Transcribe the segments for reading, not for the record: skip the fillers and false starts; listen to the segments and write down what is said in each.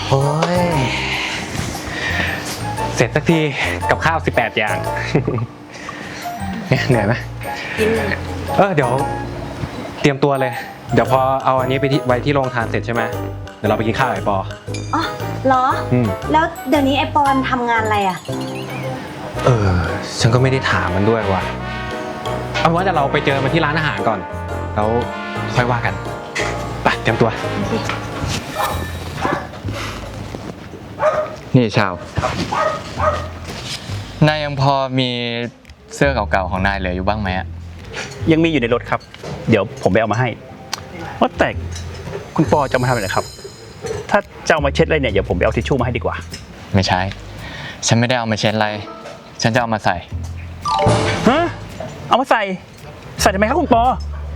โอ้ยเสร็จสักทีกับข้าว18อย่าง เนี่ยเหนื่อยไหมเดี๋ยวเตรียมตัวเลยเดี๋ยวพอเอาอันนี้ไปไว้ที่โรงทานเสร็จใช่ไหมเดี๋ยวเราไปกินข้าวไอ้ปออ๋อเหรอแล้วเดี๋ยวนี้ไอปอนทำงานอะไรอ่ะฉันก็ไม่ได้ถามมันด้วยว่ะเอาว่าแต่เราไปเจอมันที่ร้านอาหารก่อนแล้วค่อยว่ากันไปเตรียมตัวนี่ชาวนายยังพอมีเสื้อเก่าๆของนายเหลืออยู่บ้างไหมอะยังมีอยู่ในรถครับเดี๋ยวผมไปเอามาให้ว่าแต่คุณปอจะมาทำอะไรครับถ้าจะเอามาเช็ดอะไรเนี่ยเดี๋ยวผมไปเอาทิชชู่มาให้ดีกว่าไม่ใช่ฉันไม่ได้เอามาเช็ดอะไรฉันจะเอามาใส่ฮะเอามาใส่ทำไมครับคุณปอ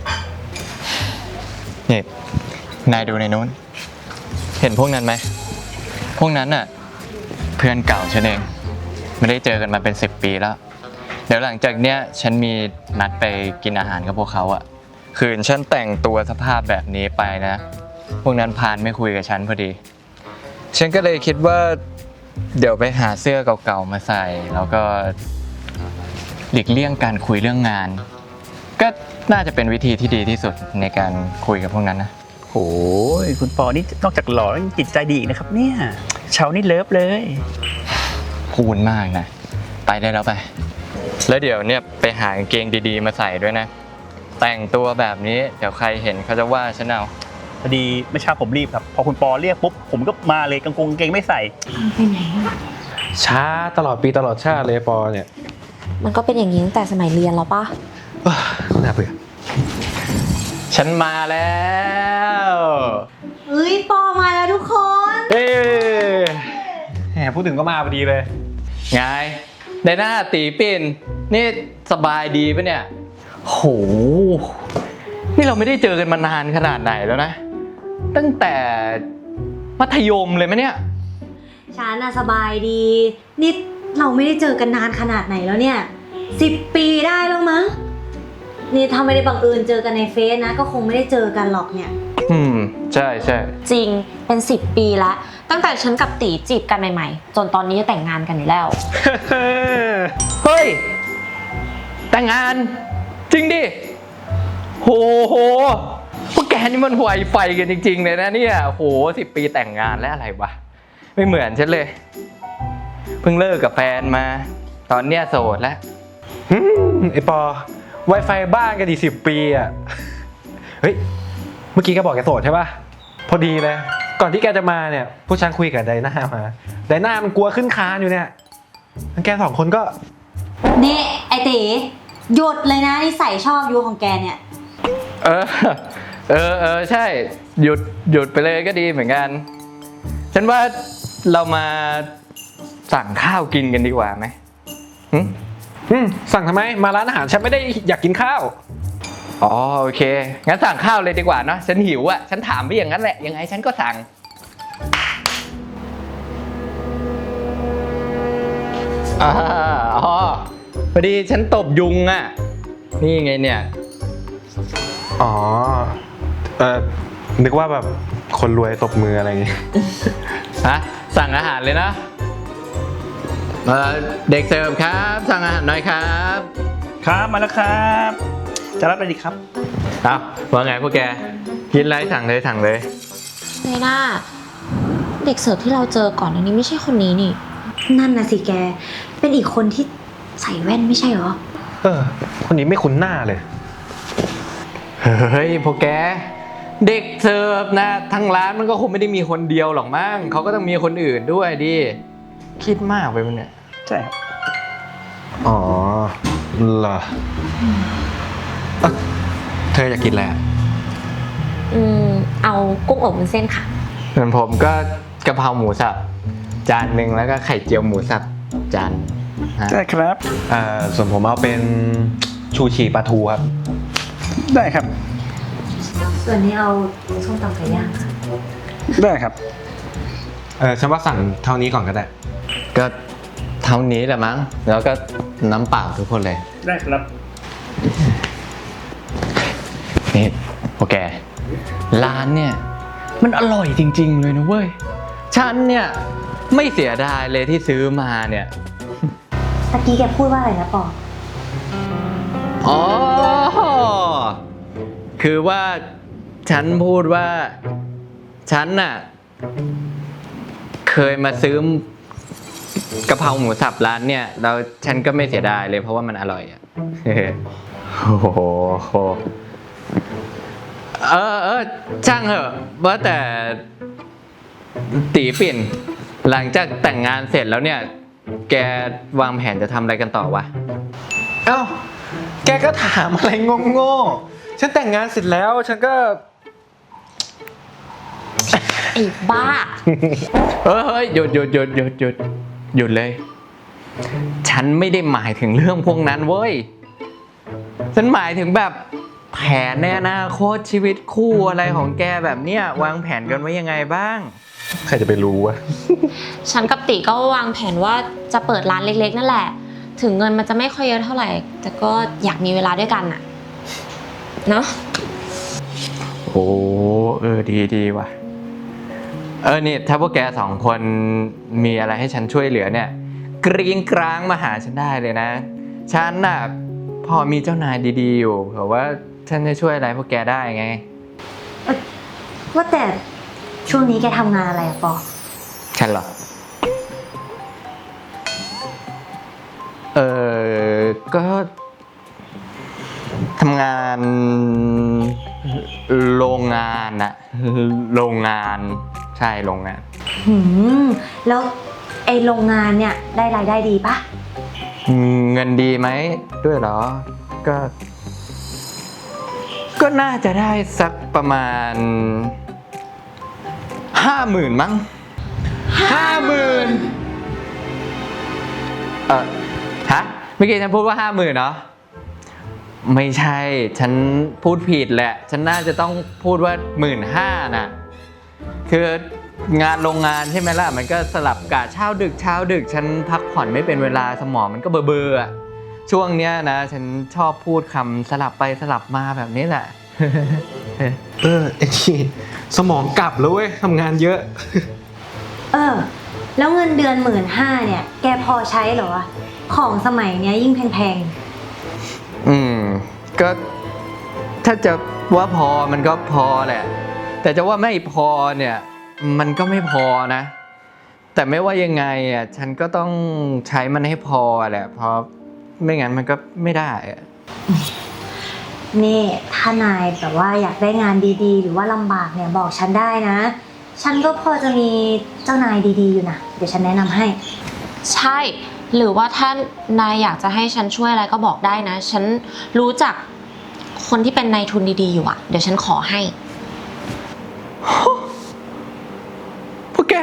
นี่นายดูในนู้นเห็นพวกนั้นไหมพวกนั้นน่ะเพื่อนเก่าฉันเองไม่ได้เจอกันมาเป็น10 ปีแล้วเดี๋ยวหลังจากเนี้ยฉันมีนัดไปกินอาหารกับพวกเขาอะคืนฉันแต่งตัวสภาพแบบนี้ไปนะพวกนั้นพานไม่คุยกับฉันพอดีฉันก็เลยคิดว่าเดี๋ยวไปหาเสื้อเก่าๆมาใส่แล้วก็หลีกเลี่ยงการคุยเรื่องงานก็น่าจะเป็นวิธีที่ดีที่สุดในการคุยกับพวกนั้นนะโอ้ยคุณปอนี่นอกจากหล่อแล้วยังจิตใจดีอีกนะครับเนี่ยเชานี่เลิฟเลยพูดมากนะไปได้แล้วไปแล้วเดี๋ยวเนี่ยไปหากางเกงดีๆมาใส่ด้วยนะแต่งตัวแบบนี้เดี๋ยวใครเห็นเขาจะว่าฉันเอาพอดีเมื่อเช้าผมรีบครับพอคุณปอเรียกปุ๊บผมก็มาเลยกางเกงไม่ใส่ไปไหนช้าตลอดปีตลอดชาติเลยปอเนี่ยมันก็เป็นอย่างนี้ตั้งแต่สมัยเรียนแล้วปะน่าเบื่อฉันมาแล้วเฮ้ยปอมาแล้วทุกคนแหมพูดถึงก็มาพอดีเลยไงในหน้าตีปิ่นนี่สบายดีปะเนี่ยโหนี่เราไม่ได้เจอกันมานานขนาดไหนแล้วนะตั้งแต่มัธยมเลยมั้ยเนี่ยฉันน่ะสบายดีนี่เราไม่ได้เจอกันนานขนาดไหนแล้วเนี่ย10 ปีได้แล้วมั้งนี่ถ้าไม่ได้บังเอิญเจอกันในเฟซนะก็คงไม่ได้เจอกันหรอกเนี่ยใช่ใช่จริงเป็น10 ปีละตั้งแต่ฉันกับตีจีบกันใหม่ๆจนตอนนี้จะแต่งงานกันอยู่แล้วเฮ้ยแต่งงานจริงดิโหพวกแกนี่มันห่วยไฟกันจริงๆเลยนะเนี่ยโห10 ปีแต่งงานแล้วอะไรวะไม่เหมือนฉันเลยเพิ่งเลิกกับแฟนมาตอนเนี้ยโสดแล้วไอปอ Wi-Fi บ้านกันดี10 ปีอ่ะเฮ้ยเมื่อกี้แกบอกแกโสดใช่ป่ะพอดีเลยก่อนที่แกจะมาเนี่ยผู้ชายคุยกับไดน่ามาไดน่ามันกลัวขึ้นคานอยู่เนี่ยแก2 คนก็นี่ไอตีหยุดเลยนะนิสัยชอบยูของแกเนี่ยใช่หยุดไปเลยก็ดีเหมือนกันฉันว่าเรามาสั่งข้าวกินกันดีกว่าไหมสั่งทำไมมาร้านอาหารฉันไม่ได้อยากกินข้าวอ๋อโอเคงั้นสั่งข้าวเลยดีกว่าเนาะฉันหิวอ่ะฉันถามไปอย่างนั้นแหละยังไงฉันก็สั่งพอดีฉันตบยุงอ่ะนี่ไงเนี่ยนึกว่าแบบคนรวยตบมืออะไรอย่างงี้ฮะสั่งอาหารเลยนะเด็กเสิร์ฟครับสั่งอาหารหน่อยครับครับมาแล้วครับจะรับอะไรดีครับว่าไงพวกแกกินอะไรสั่งเลยไนน่าเด็กเสิร์ฟที่เราเจอก่อนอันนี้ไม่ใช่คนนี้นี่นั่นน่ะสิแกเป็นอีกคนที่ใส่แว่นไม่ใช่เหรอคนนี้ไม่คุ้นหน้าเลยเฮ้ยพวกแกเด็กเสิร์ฟนะทั้งร้านมันก็คงไม่ได้มีคนเดียวหรอกมั้งเขาก็ต้องมีคนอื่นด้วยดิคิดมากไปมั้ยเนี่ยใช่ครับอ๋อเหรอเธออยากกินอะไรเอากุ้งอบวุ้นเส้นค่ะส่วนผมก็กะเพราหมูสับจานนึงแล้วก็ไข่เจียวหมูสับจานได้ครับส่วนผมเอาเป็นชูชีปลาทูครับได้ครับส่วนนี้เอาส้มตำไก่ย่างค่ะได้ครับฉันว่าสั่งเท่านี้ก่อนก็ได้ก็เท่านี้แหละมั้งแล้วก็น้ำเปล่าทุกคนเลยได้ครับนี่โอเคร้านเนี่ยมันอร่อยจริงๆเลยนะเว้ยฉันเนี่ยไม่เสียดายเลยที่ซื้อมาเนี่ยตะกี้แกพูดว่าอะไรนะปออ๋อ คือว่าฉันพูดว่าฉันน่ะเคยมาซื้อกะเพราหมูสับร้านเนี่ยแล้วฉันก็ไม่เสียดายเลยเพราะว่ามันอร่อยอ่ะ โอ้โหช่างเหอะว่าแต่ตีปิ่นหลังจากแต่งงานเสร็จแล้วเนี่ยแกวางแผนจะทำอะไรกันต่อวะเอ้า แกก็ถามอะไรโง่ๆฉันแต่งงานเสร็จแล้ว ฉันก็ไอ้บ้าเฮ้ยหยุดเลย ฉันไม่ได้หมายถึงเรื่องพวกนั้นเว้ย ฉันหมายถึงแบบแผนในอนาคตชีวิตคู่อะไรของแกแบบเนี้ยวางแผนกันไว้ยังไงบ้างใครจะไปรู้วะฉันกับติก็วางแผนว่าจะเปิดร้านเล็กๆนั่นแหละ ถึงเงินมันจะไม่ค่อยเยอะเท่าไหร่ แต่ก็อยากมีเวลาด้วยกันอะเนาะโอ้ดีว่ะ นี่ถ้าพวกแกสองคนมีอะไรให้ฉันช่วยเหลือเนี่ยกรี๊งกร้างมาหาฉันได้เลยนะ ฉันน่ะพอมีเจ้านายดีๆอยู่เผื่อว่าฉันจะช่วยอะไรพวกแกได้ไงว่าแต่ช่วงนี้แกทำงานอะไรอะปอฉันเหรอ ก็ทำงานโรงงานอะโรงงานใช่โรงงานแล้วไอ้โรงงานเนี่ยได้รายได้ดีปะเงินดีไหมด้วยเหรอ ก็น่าจะได้สักประมาณ 50,000 มั้ง 50,000ฮะเมื่อกี้ฉันพูดว่า 50,000เนาะไม่ใช่ ฉันพูดผิดแหละ ฉันน่าจะต้องพูดว่า 15,000น่ะ คืองานโรงงานใช่ไหมล่ะ มันก็สลับกะเช้าดึกฉันพักผ่อนไม่เป็นเวลาสมองมันก็เบอๆอะช่วงเนี้ยนะ ฉันชอบพูดคำสลับไปสลับมาแบบนี้แหละไอ้นี่สมองกลับแล้วเว้ยทำงานเยอะแล้วเงินเดือน15,000เนี่ย แกพอใช้เหรอวะ ของสมัยเนี้ยยิ่งแพงก็ถ้าจะว่าพอมันก็พอแหละ แต่จะว่าไม่พอเนี่ยมันก็ไม่พอนะ แต่ไม่ว่ายังไงอ่ะฉันก็ต้องใช้มันให้พอแหละเพราะไม่งั้นมันก็ไม่ได้อะๆนี่ถ้านายแบบว่าอยากได้งานดีๆ หรือว่าลำบากเนี่ยบอกฉันได้นะ ฉันก็พอจะมีเจ้านายดีๆอยู่นะ เดี๋ยวฉันแนะนำให้ใช่ หรือว่าถ้านายอยากจะให้ฉันช่วยอะไรก็บอกได้นะ ฉันรู้จักคนที่เป็นนายทุนดีๆอยู่อะเดี๋ยวฉันขอให้พวกแก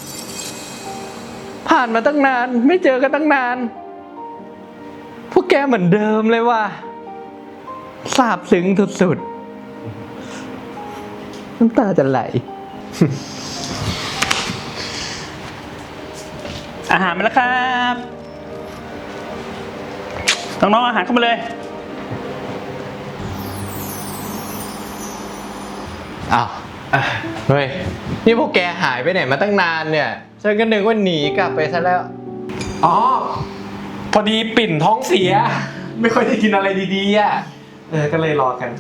ผ่านมาตั้งนานไม่เจอกันตั้งนาน พวกแกเหมือนเดิมเลยว่ะซาบซึ้งสุดๆน้ำตาจะไหลอาหารมาแล้วครับ น้องๆอาหารเข้ามาเลยอ้าวเฮ้ย นี่พวกแกหายไปไหนมาตั้งนานเนี่ย ฉันก็นึกว่าหนีกลับไปซะแล้วอ๋อ พอดีปิ่นท้องเสีย ไม่ค่อยได้กินอะไรดีๆอ่ะ ก็เลยรอกัน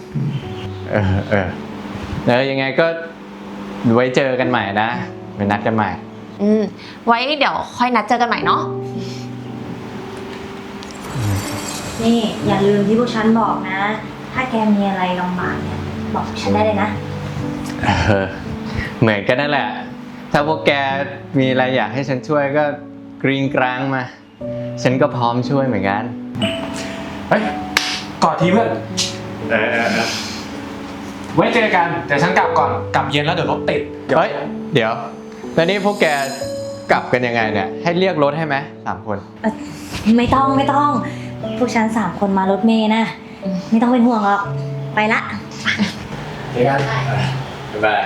ยังไงก็ไว้เจอกันใหม่นะไปนัดกันใหม่ไว้เดี๋ยวค่อยนัดเจอกันใหม่เนาะนี่อย่าลืมที่พวกฉันบอกนะ ถ้าแกมีอะไรลำบากเนี่ยบอกฉันได้เลยนะเหมือนกันนั่นแหละ ถ้าพวกแกมีอะไรอยากให้ฉันช่วยก็กรีงกรางมา ฉันก็พร้อมช่วยเหมือนกันเฮ้ย กอดทีเพื่อนไว้เจอกันแต่ฉันกลับก่อน กลับเย็นแล้วเดี๋ยวรถติดเฮ้ย เดี๋ยว แล้วนี่พวกแกกลับกันยังไงเนี่ย ให้เรียกรถให้ไหม3 คนไม่ต้องพวกฉัน3 คนมารถเมล์นะ ไม่ต้องเป็นห่วงหรอก ไปละเจอกันบ๊ายบาย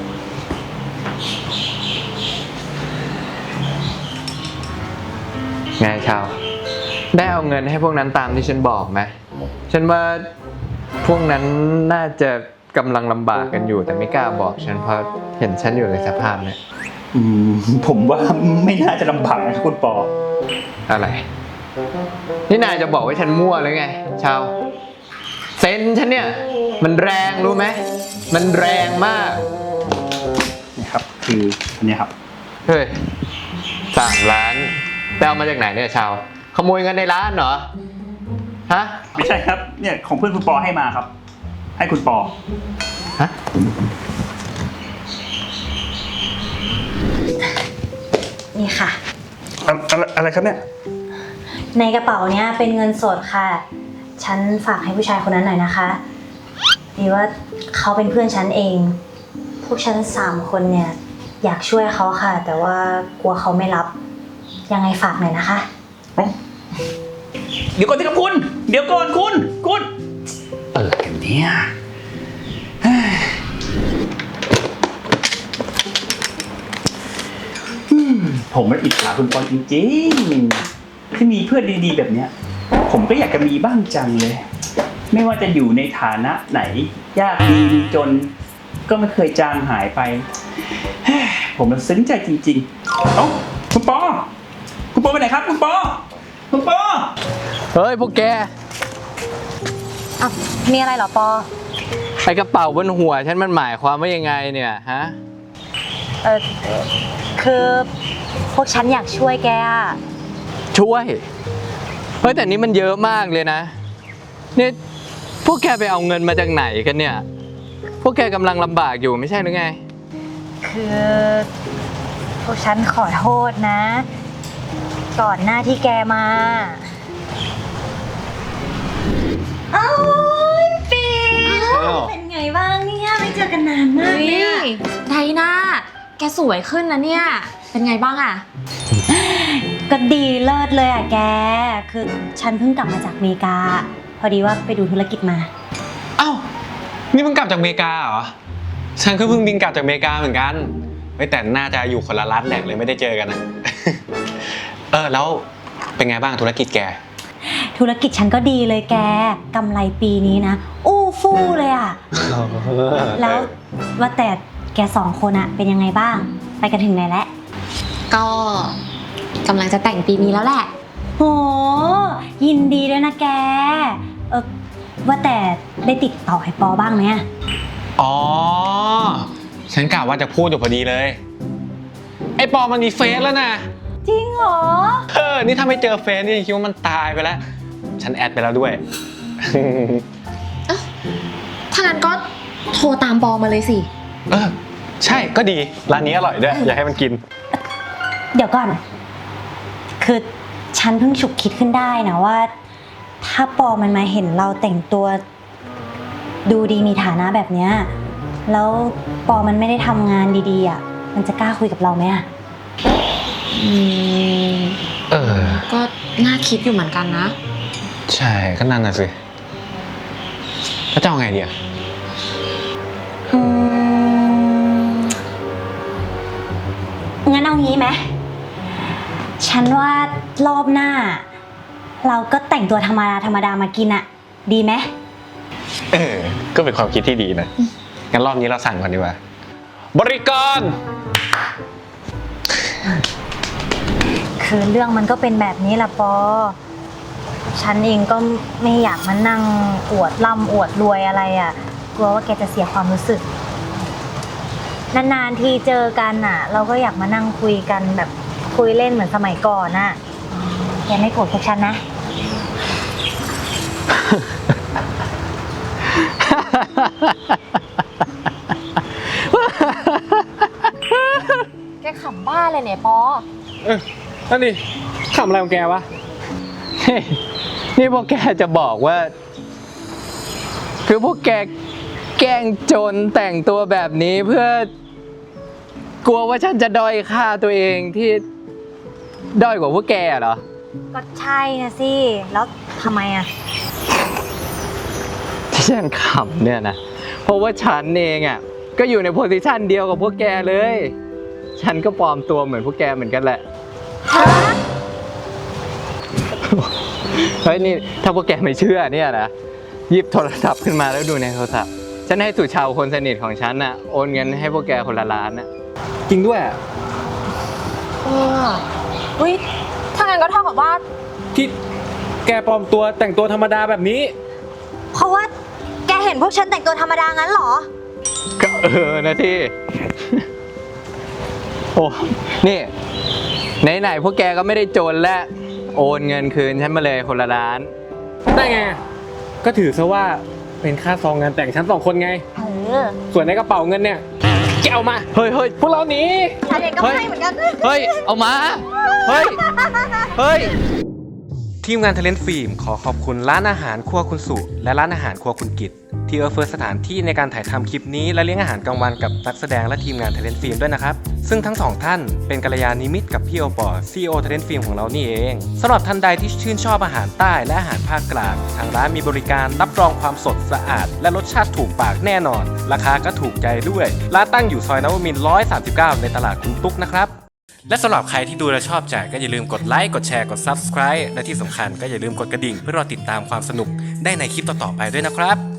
ไงชาว ได้เอาเงินให้พวกนั้นตามที่ฉันบอกไหม ฉันว่าพวกนั้นน่าจะกำลังลำบากกันอยู่แต่ไม่กล้าบอกฉันเพราะเห็นฉันอยู่ในสภาพเนี่ยผมว่าไม่น่าจะลำบากนะครับคุณปออะไร นี่นายจะบอกว่าฉันมั่วหรือไง ชาว เซนฉันเนี่ย มันแรงรู้ไหม มันแรงมากนี่ครับ คืออันเนี้ยครับเฮ้ย3 ล้านไปเอามาจากไหนเนี่ยชาว ขโมยเงินในร้านเหรอ ฮะไม่ใช่ครับ เนี่ยของเพื่อนคุณปอให้มาครับ ให้คุณปอฮะนี่ค่ะอะไรครับเนี่ยในกระเป๋าเนี้ยเป็นเงินสดค่ะ ฉันฝากให้ผู้ชายคนนั้นหน่อยนะคะดีว่าเขาเป็นเพื่อนฉันเอง พวกฉัน3 คนเนี่ยอยากช่วยเขาค่ะ แต่ว่ากลัวเขาไม่รับ ยังไงฝากหน่อยนะคะเดี๋ยวก่อนสิครับคุณ เดี๋ยวก่อนคุณอะไรกันเนี่ยเฮ้ยผมมันอิจฉาคุณปอจริงๆที่มีเพื่อนดีๆแบบเนี้ย ผมก็อยากจะมีบ้างจังเลย ไม่ว่าจะอยู่ในฐานะไหน ยากดีมีจน ก็ไม่เคยจางหายไปเฮ้ยผมมันซึ้งใจจริงๆเอ้าคุณปอไปไหนครับ คุณปอเฮ้ยพวกแกอ่ะ มีอะไรเหรอปอไอกระเป๋าบนหัวฉันมันหมายความว่ายังไงเนี่ยฮะคือพวกฉันอยากช่วยแกอะช่วย เฮ้ยแต่นี้มันเยอะมากเลยนะนี่พวกแกไปเอาเงินมาจากไหนกันเนี่ย พวกแกกำลังลำบากอยู่ไม่ใช่หรือไงคือพวกฉันขอโทษนะ ก่อนหน้าที่แกมาอ้าวปีเป็นไงบ้างเนี่ยไม่เจอกันนานมากเลยไดนาแกสวยขึ้นนะเนี่ย เป็นไงบ้างอะก็ดีเลิศเลยอ่ะแก คือฉันเพิ่งกลับมาจากอเมริกา พอดีว่าไปดูธุรกิจมาเอ้า นี่เพิ่งกลับจากอเมริกาเหรอ ฉันก็เพิ่งบินกลับจากอเมริกาเหมือนกันเฮ้ยแต่น่าจะอยู่คนละรัฐแหละเลยไม่ได้เจอกันนะ แล้วเป็นไงบ้างธุรกิจแกธุรกิจฉันก็ดีเลยแกกำไรปีนี้นะ อู้ฟู่เลยอ่ะ แล้วว่าแต่แก2 คนอะเป็นยังไงบ้าง ไปกันถึงไหนแล้วก็กำลังจะแต่งปีนี้แล้วแหละโหยินดีด้วยนะแกว่าแต่ได้ติดต่อให้ปอบ้างไหมอะอ๋อ ฉันกะว่าจะพูดอยู่พอดีเลย ไอ้ปอมันมีเฟซแล้วนะจริงเหรอนี่ถ้าไม่เจอเฟซนี่คิดว่ามันตายไปแล้ว ฉันแอดไปแล้วด้วยถ้างั้นก็โทรตามปอมาเลยสิใช่ก็ดีร้านนี้อร่อยด้วย อยากให้มันกินเดี๋ยวก่อน คือฉันเพิ่งฉุกคิดขึ้นได้นะว่า ถ้าปอมันมาเห็นเราแต่งตัว ดูดีมีฐานะแบบเนี้ยแล้วปอมันไม่ได้ทำงานดีๆอ่ะมันจะกล้าคุยกับเราไหมอ่ะก็น่าคิดอยู่เหมือนกันนะใช่ก็นั่นน่ะสิแล้วจะเอาไงดีอะงั้นเอางี้ไหมฉันว่ารอบหน้า เราก็แต่งตัวธรรมดามากินอะดีไหมก็เป็นความคิดที่ดีนะ งั้นรอบนี้เราสั่งก่อนดีกว่า บริกรคือเรื่องมันก็เป็นแบบนี้แหละปอ ฉันเองก็ไม่อยากมานั่งอวดร่ำอวดรวยอะไรอะกลัวว่าแกจะเสียความรู้สึก นานๆทีเจอกันอะเราก็อยากมานั่งคุยกันแบบคุยเล่นเหมือนสมัยก่อนอะแกไม่โกรธพวกฉันนะแกขำบ้าเลยเนี่ยปอนั่นดิขำอะไรของแกวะนี่พวกแกจะบอกว่า คือพวกแกแกล้งจนแต่งตัวแบบนี้เพื่อกลัวว่าฉันจะด้อยค่าตัวเองที่ด้อยกว่าพวกแกเหรอก็ใช่นะสิ แล้วทำไมอะที่ฉันขำเนี่ยนะ เพราะว่าฉันเองอ่ะก็อยู่ในโพสิชันเดียวกับพวกแกเลย ฉันก็ปลอมตัวเหมือนพวกแกเหมือนกันแหละ เฮ้ยนี่ถ้าพวกแกไม่เชื่อเนี่ยนะหยิบโทรศัพท์ขึ้นมาแล้วดูในโทรศัพท์ ฉันให้สุชาวคนสนิทของฉันน่ะโอนเงินให้พวกแกคนละล้านน่ะจริงด้วยอุ้ยถ้างั้นก็เท่ากับว่าที่แกปลอมตัวแต่งตัวธรรมดาแบบนี้เพราะว่าแกเห็นพวกฉันแต่งตัวธรรมดางั้นเหรอก็นะที่ โอ้ นี่ไหนๆพวกแกก็ไม่ได้โจรและโอนเงินคืนฉันมาเลยคนละล้านได้ไง ก็ถือซะว่าเป็นค่าซองงานแต่งฉัน2 คนไง ส่วนในกระเป๋าเงินเนี่ยแกเอามาเฮ้ยเฮ้ยพวกเราหนีฉันเองก็ไม่เหมือนกันเฮ้ย เอามา เฮ้ย เฮ้ยทีมงานเทเลนต์ฟิล์มขอขอบคุณร้านอาหารครัวคุณสุและร้านอาหารครัวคุณกิตที่เฟิร์สสถานที่ในการถ่ายทำคลิปนี้และเลี้ยงอาหารกลางวันกับนักแสดงและทีมงานเทเลนต์ฟิล์มด้วยนะครับซึ่งทั้ง2ท่านเป็นกัลยาณมิตรกับพี่โอปอCEO เทเลนต์ฟิล์มของเรานี่เองสำหรับท่านใดที่ชื่นชอบอาหารใต้และอาหารภาคกลางทางร้านมีบริการรับรองความสดสะอาดและรสชาติถูกปากแน่นอนราคาก็ถูกใจด้วยร้านตั้งอยู่ซอยนวมินทร์139ในตลาดคุณตุ๊กนะครับและสำหรับใครที่ดูและชอบใจก็อย่าลืมกดไลค์กดแชร์กด Subscribe และที่สำคัญก็อย่าลืมกดกระดิ่งเพื่อรอติดตามความสนุกได้ในคลิปต่อๆไปด้วยนะครับ